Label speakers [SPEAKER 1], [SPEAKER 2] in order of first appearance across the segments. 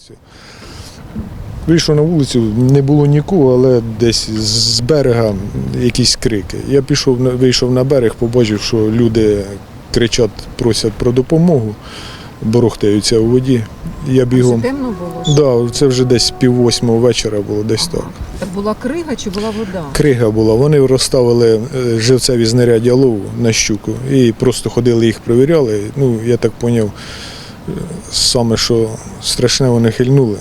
[SPEAKER 1] Вийшов на вулицю, не було нікого, але десь з берега якісь крики. Я вийшов на берег, побачив, що люди кричать, просять про допомогу, борохтаються у воді. Я бігом.
[SPEAKER 2] Це темно було?
[SPEAKER 1] Так, це вже десь 7:30 вечора було, десь так.
[SPEAKER 2] Була крига чи була вода?
[SPEAKER 1] Крига була. Вони розставили живцеві знаряддя лову на щуку і просто ходили, їх перевіряли. Ну, я так зрозумів, саме що страшне, вони хильнули.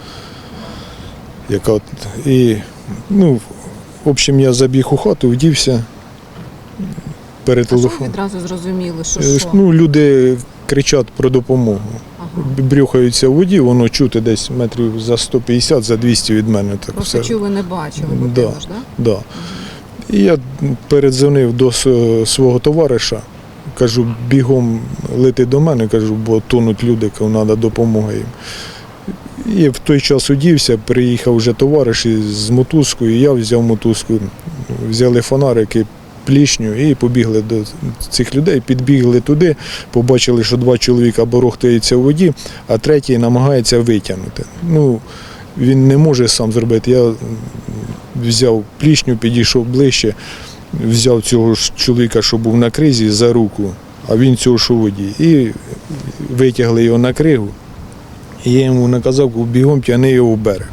[SPEAKER 1] В общем, я забіг у хату, вдівся перед телефоном.
[SPEAKER 2] А що ви відразу зрозуміли, що?
[SPEAKER 1] Люди кричать про допомогу. Брюхаються в воді, воно чути десь метрів за 150, за 200 від мене. Так
[SPEAKER 2] просто
[SPEAKER 1] все.
[SPEAKER 2] чули, не бачили, бо
[SPEAKER 1] Да,
[SPEAKER 2] ж, так?
[SPEAKER 1] Да. І я передзвонив до свого товариша, кажу, бігом лети до мене, кажу, бо тонуть люди, треба допомога їм. І в той час одівся, приїхав вже товариш з мотузкою, я взяв мотузку, взяли фонарики, плішню і побігли до цих людей, підбігли туди, побачили, що 2 чоловіка борохтаються у воді, а третій намагається витягнути. Він не може сам зробити. Я взяв плішню, підійшов ближче, взяв цього ж чоловіка, що був на кризі, за руку, а він цього, що у воді. І витягли його на кригу. І я йому наказав, бігом тягни його в берег.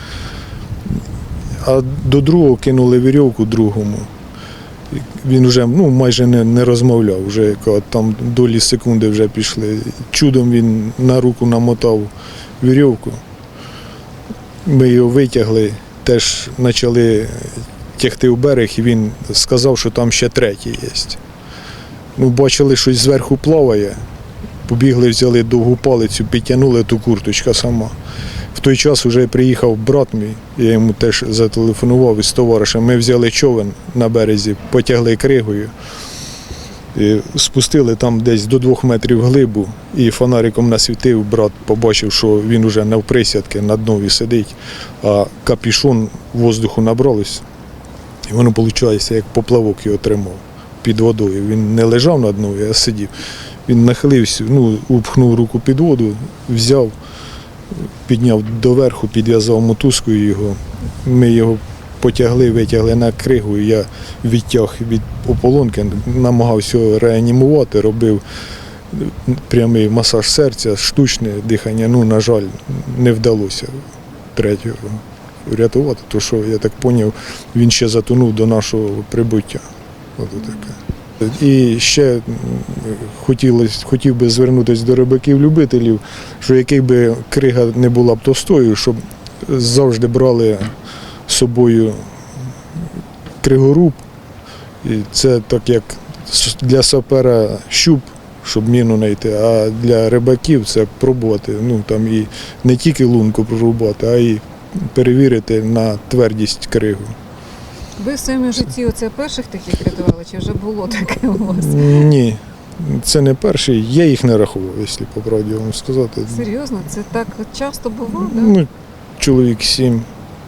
[SPEAKER 1] А до другого кинули вірьовку другому. Він вже майже не розмовляв, вже там долі секунди вже пішли. Чудом він на руку намотав вірьовку. Ми його витягли, теж почали тягти в берег, і він сказав, що там ще третій є. Бачили, щось зверху плаває. Побігли, взяли довгу палицю, підтягнули, ту курточка сама. В той час вже приїхав брат мій, я йому теж зателефонував із товаришем. Ми взяли човен на березі, потягли кригою, і спустили там десь до 2 метрів глибу, і фонариком насвітив, брат побачив, що він вже навприсядки на днові сидить, а капюшон воздуху набралось. І воно, виходить, як поплавок його тримав під водою. Він не лежав на днові, а сидів. Він нахилився, упхнув руку під воду, взяв, підняв доверху, підв'язав мотузкою його. Ми його потягли, витягли на кригу, я відтяг від ополонки, намагався його реанімувати, робив прямий масаж серця, штучне дихання. На жаль, не вдалося третього врятувати, тому що, я так зрозумів, він ще затонув до нашого прибуття. І ще хотів би звернутися до рибаків-любителів, що який би крига не була б товстою, щоб завжди брали з собою кригоруб. І це так як для сапера щуп, щоб міну знайти, а для рибаків це пробувати, там і не тільки лунку прорубати, а й перевірити на твердість кригу.
[SPEAKER 2] Ви в своєму житті оце перших таких рятували, чи вже було таке у вас?
[SPEAKER 1] Ні, це не перший, я їх не рахував, якщо по правді вам сказати.
[SPEAKER 2] Серйозно? Це так часто бувало, так?
[SPEAKER 1] Чоловік 7,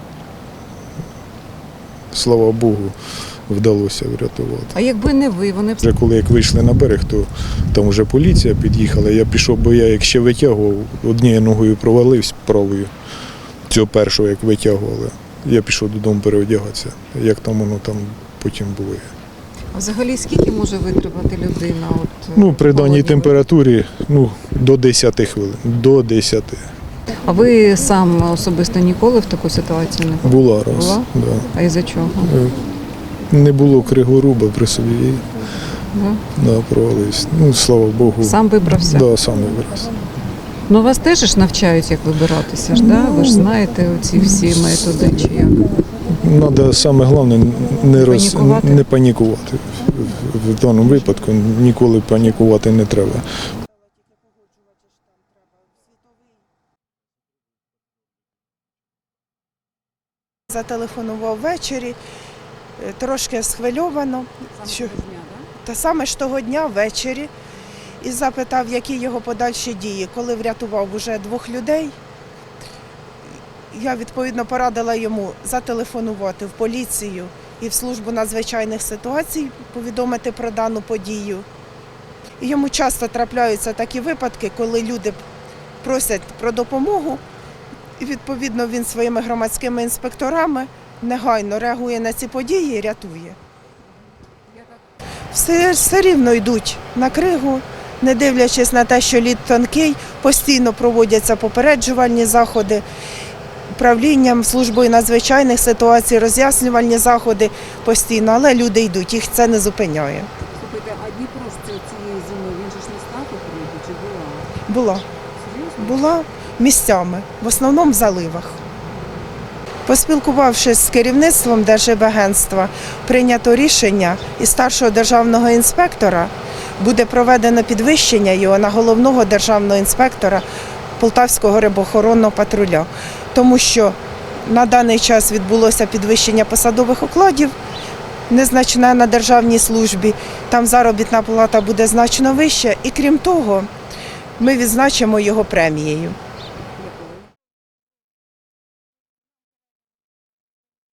[SPEAKER 1] слава Богу, вдалося врятувати.
[SPEAKER 2] А якби не ви, вони б...
[SPEAKER 1] Вже коли вийшли на берег, то там вже поліція під'їхала, я пішов, бо я як ще витягував, однією ногою провалився правою, цього першого як витягували. Я пішов додому переодягатися, як там воно там потім було.
[SPEAKER 2] А взагалі скільки може витримати людина?
[SPEAKER 1] При даній температурі до 10 хвилин, до 10.
[SPEAKER 2] А ви сам особисто ніколи в таку ситуацію не був?
[SPEAKER 1] Була раз.
[SPEAKER 2] Була?
[SPEAKER 1] Да.
[SPEAKER 2] А із-за чого?
[SPEAKER 1] Не було кригоруба при собі.
[SPEAKER 2] Да?
[SPEAKER 1] Провалився. Слава Богу.
[SPEAKER 2] Сам вибрався?
[SPEAKER 1] Да, сам вибрався.
[SPEAKER 2] Вас теж ж навчають, як вибиратися, ж, да? Ви ж знаєте оці всі методи, чи як?
[SPEAKER 1] Треба, саме головне, не панікувати. В даному випадку ніколи панікувати не треба.
[SPEAKER 3] Зателефонував ввечері, трошки схвильовано. Та саме ж того дня ввечері. І запитав, які його подальші дії. Коли врятував уже 2 людей, я відповідно порадила йому зателефонувати в поліцію і в службу надзвичайних ситуацій, повідомити про дану подію. І йому часто трапляються такі випадки, коли люди просять про допомогу І, відповідно, він своїми громадськими інспекторами негайно реагує на ці події і рятує. Все рівно йдуть на кригу, не дивлячись на те, що лід тонкий, постійно проводяться попереджувальні заходи, управлінням, службою надзвичайних ситуацій, роз'яснювальні заходи постійно, але люди йдуть, їх це не зупиняє.
[SPEAKER 2] Слухайте, а Дніпро ж цієї зими, він же ж не став у криги, чи була?
[SPEAKER 3] Була.
[SPEAKER 2] Серйозно?
[SPEAKER 3] Була місцями, в основному в заливах. Поспілкувавшись з керівництвом Держгеоагентства, прийнято рішення і старшого державного інспектора буде проведено підвищення його на головного державного інспектора Полтавського рибоохоронного патруля. Тому що на даний час відбулося підвищення посадових окладів, незначне на державній службі, там заробітна плата буде значно вища і крім того, ми відзначимо його премією.